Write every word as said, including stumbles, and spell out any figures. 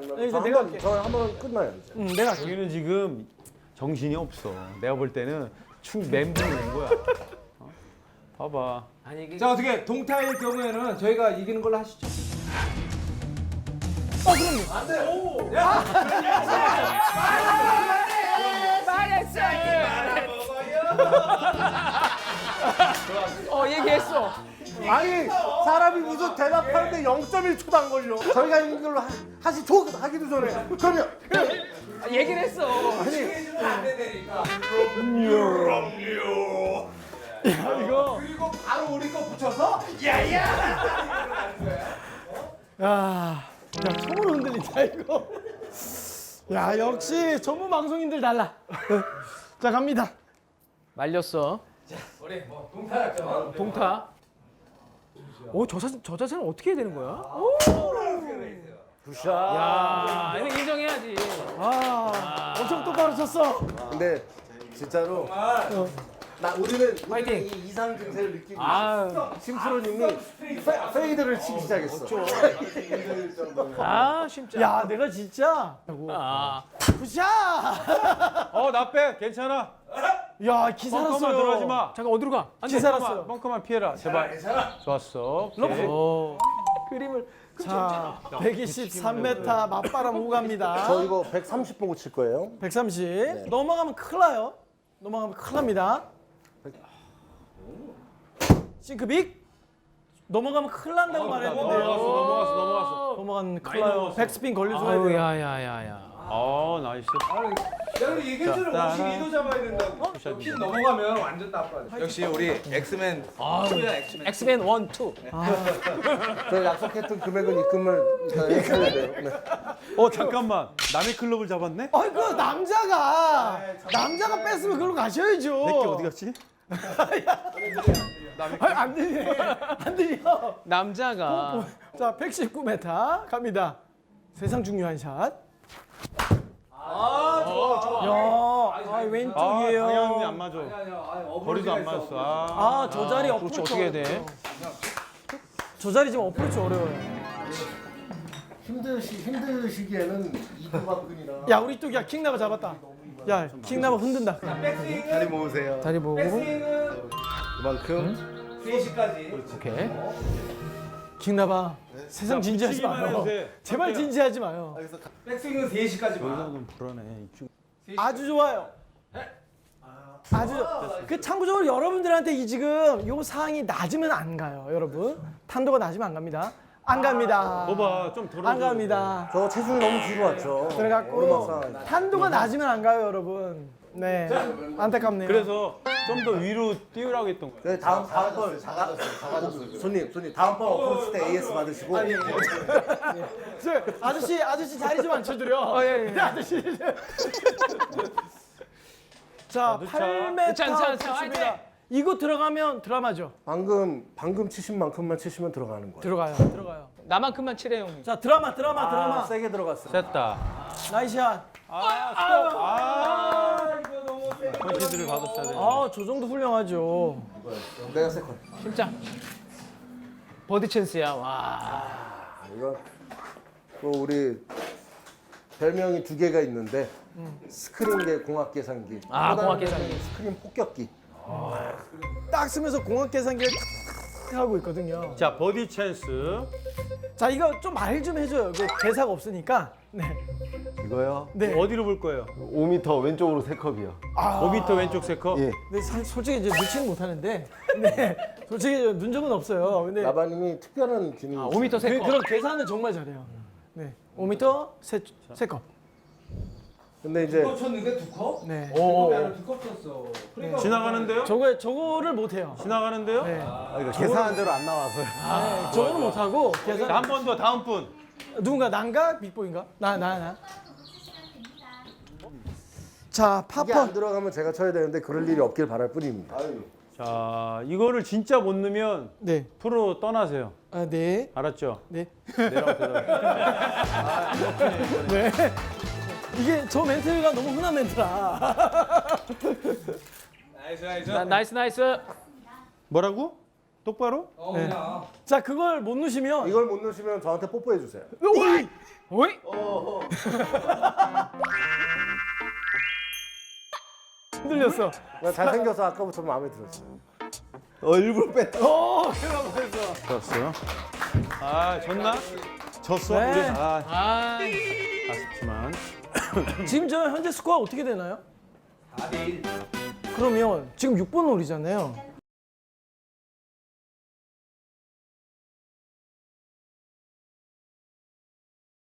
아니면 이제 저 내가 한번 할게. 저 한번 끝나요 이제. 응, 내가 여기는 지금 정신이 없어. 내가 볼 때는 충 멘붕이 온 거야. 어? 봐봐. 아니 이게 자 어떻게 동타일 경우에는 저희가 이기는 걸로 하시죠. 어 얘기했어. 아니 사람이 무슨 대답하는데 영 점 일 초도 안 걸려. 저희가 이긴 걸로 하, 하시죠 하기도 전에. 그러면 아, 얘기를 했어. 이거 그리고 바로 우리 거 붙여서 야, 야 처음으로 흔들린다 이거. 야 역시 전문 방송인들 달라. 자 갑니다. 말렸어. 우리 뭐 동타였죠. 동타. 오저 자세 저 자세는 어떻게 해야 되는 거야? 굿샷. 야 이거 인정해야지. 아 엄청 똑바로 쳤어. 근데 진짜로 나 우리는 파이팅. 이 이상 증세를 느끼고 아, 심프로님이 페- 페이드를 치기 시작했어. 아 진짜. 야 내가 진짜. 아, 굿샷. 어, 나 빼. 괜찮아. 야 기살았어요. 벙커만 들어가지 마. 잠깐 어디로 가? 안 돼. 기살았어요. 벙커만 피해라. 제발. 좋았어. 오케이. 어. 그림을. 자 백이십삼 미터 맞바람 오고 갑니다. 저 이거 백삼십 보고 칠 거예요. 백삼십. 넘어가면 큰일 나요. 넘어가면 큰일 납니다. 싱크빅. 넘어가면 큰일 난다고 말했는데요. 넘어갔어, 넘어갔어, 넘어갔어. 넘어가면 큰일 많이 나요. 넘어갔어. 백스핀 걸려줘야 아유 돼요. 야야야야. 어, 나이스. 내가 얘기했잖아. 자, 오십이 도 잡아야 된다고. 핀 넘어가면 완전 나빠. 역시 우리 엑스맨. 투야 엑스맨. 엑스맨 원, 투. 저 약속했던 금액은 입금을 해야 돼요. 네. 어, 잠깐만. 남의 클럽을 잡았네? 아이 그 남자가 남자가 뺐으면 그걸로 가셔야죠. 내게 어디 갔지? 아니, 안 들리네. 안 들려. 남자가. 자 백십구 미터 갑니다. 세상 중요한 샷. 아 좋아 좋아. 야, 아, 아, 왼쪽이에요. 방향이 안 맞아. 아니 아니야. 아니, 거리도 안 맞았어. 아. 아, 저 자리 그렇지 어프로치 어떻게 해야 돼? 어려워요. 저 자리 지금 어프로치 어려워요. 힘드시 힘드시기에는 이두박근이라. 야, 우리 또 야 킹나바 잡았다. 야, 킹나바 흔든다. 백스윙은 다리 모으세요. 다리 보고. 백스윙은 그만큼. 세 시까지. 오케이. 킹나바. 세상 진지하지 붙이기만 마요. 해도 돼. 제발 진지하지 마요. 백스윙은 세 시까지만. 여기서는 불안해. 이쪽. 아주 좋아요. 아주 좋- 그 참고적으로 여러분들한테 이 지금 요 상황이 낮으면 안 가요, 여러분. 탄도가 낮으면 안 갑니다. 안 갑니다. 봐봐, 좀 덜어줘. 안 갑니다. 저 체중이 너무 뒤로 왔죠. 그래갖고 오르막상. 탄도가 낮으면 안 가요, 여러분. 네, 안타깝네요. 그래서 좀 더 위로 띄우라고 했던 거야. 네, 다음 다음 번 작아졌어요. 작아졌어요. 손님 손님 다음 번 어프로치 때 에이에스 받으시고. 저, 아저씨, 아저씨 자리 좀 앉혀드려. 어, 예, 예. 아저씨. 자, 넣자. 팔 미터 넣자, 넣자, 넣자. 붙입니다. 화이팅! 이거 들어가면 드라마죠. 방금 방금 치신 만큼만 치시면 들어가는 거예요. 들어가요, 들어가요. 나만큼만 칠해 형님. 자, 드라마, 드라마, 아, 드라마. 세게 들어갔어요. 됐다. 나이샷. 아, 스톱. 아, 컨시드를 받았어야 돼. 아, 저 정도 훌륭하죠. 내가 세컨. 심장. 버디 찬스야. 와. 아, 이거 또 우리 별명이 두 개가 있는데 스크린계 공학 계산기. 아, 또 공학 다른 계산기. 별명이 스크린 폭격기. 딱 쓰면서 공학 계산기를 탁 하고 있거든요. 자, 버디 찬스. 자, 이거 좀 말 좀 해줘요. 그 대사가 없으니까. 네. 이거요? 네. 어디로 볼 거예요? 오 미터 왼쪽으로 세 컵이요. 오 미터 왼쪽 세 컵? 예. 근데 사- 솔직히 이제 눈치는 못 하는데, 네. 솔직히 눈점은 없어요. 근데 라바님이 특별한 기능이 아, 있어요. 오 미터 세 그, 컵. 그런 계산은 정말 잘해요. 네. 오 미터 세, 세 컵. 근데 이제 두컵 쳤는데 두 컵? 네. 두 컵이 아니라 두컵 쳤어. 그러니까 지나가는데요? 저거 저거를 못 해요. 지나가는데요? 네. 아, 이거 계산한 대로 안 나와서요. 네. 저거는 못 하고 계산. 자, 한 번 더 다음 분. 누군가 난가 빅보인가? 나 나 나. 자, 이게 안 파퍼. 들어가면 제가 쳐야 되는데 그럴 일이 없길 바랄 뿐입니다. 자, 이거를 진짜 못 넣으면 네. 프로 떠나세요. 아, 네. 알았죠? 네. 내려가 대답. 네. 이게 저 멘트가 너무 흔한 멘트라. 나이스 나이스. 나, 나이스 나이스. 뭐라고? 똑바로? 어 네. 그냥. 자, 그걸 못 넣으시면 이걸 못 넣으시면 저한테 뽀뽀해 주세요. 오이. 오이. 흔들렸어. 나 잘생겨서 아까부터 마음에 들었어요. 어 일부러 뺐다. 어, 그만 했어. 좋았어요. 아, 졌나? 졌어. 네. 우리 아, 아. 아쉽지만. 지금 저 현재 스코어 어떻게 되나요? 사 대 일. 그러면 지금 육 번 홀이잖아요.